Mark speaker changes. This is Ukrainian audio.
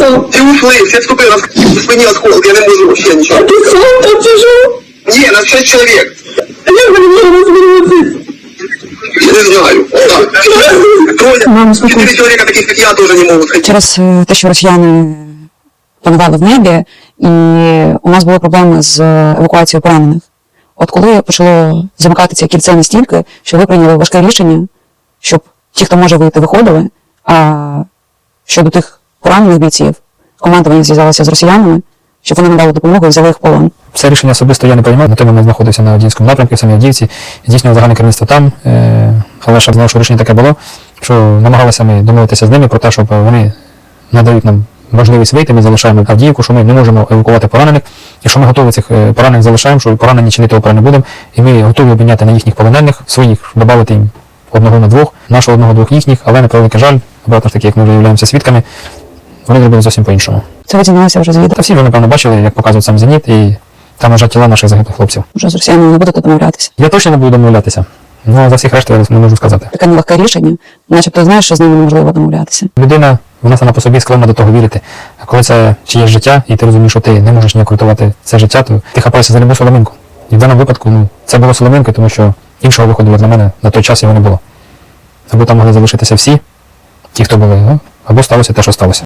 Speaker 1: Всі ушли, всі відступили, на спині осколки, я не можу вообще нічого.
Speaker 2: А ты сам там сижу?
Speaker 1: Ні, нас 6 чоловік.
Speaker 2: Як ви не розвернутися?
Speaker 1: Я не знаю. Так.
Speaker 3: Мама,
Speaker 1: Трое. 4 чоловіка таких, як я, теж не можуть.
Speaker 3: Через те, що росіяни панували в небі, і у нас були проблеми з евакуацією поранених. От коли почало замикати це кільце настільки, що ви прийняли важке рішення, щоб ті, хто може вийти, виходили, а щодо тих поранених бійців, командування зв'язалося з росіянами, щоб вони надали допомогу і взяли їх в полон.
Speaker 4: Це рішення особисто я не приймав, на той момент знаходився на Авдіївському напрямку, в самій Авдіївці, здійснював загальне керівництво там, але щоб знав, що рішення таке було, що намагалися ми домовитися з ними про те, щоб вони надають нам можливість вийти, ми залишаємо Авдіївку, що ми не можемо евакувати поранених, і що ми готові цих поранених залишаємо, що поранені чинити опору не будемо, і ми готові обміняти на їхніх полонених, своїх, додати їм одного на двох, нашого одного-двох їхніх, але на превеликий жаль, обратно ж таки, як ми вже являємося свідками, вони зробили зовсім по-іншому.
Speaker 3: Це ви дізналися вже з відео?
Speaker 4: Та всі ви, напевно, бачили, як показують сам «Зеніт», і там лежать тіла наших загиблих хлопців.
Speaker 3: Вже з росіянами не будете домовлятися.
Speaker 4: Я точно не буду домовлятися, але за всіх решту я не можу сказати.
Speaker 3: Таке нелегке рішення, начебто знаєш, що з ними неможливо домовлятися.
Speaker 4: Людина, вона сама по собі склонна до того вірити. А коли це чиєсь життя, і ти розумієш, що ти не можеш ніяк рятувати це життя, то ти хапаєшся за любу соломинку. І в даному випадку це було соломинкою, тому що іншого виходу для мене на той час його не було. Або там могли залишитися всі, ті, хто були, або сталося те, що сталося.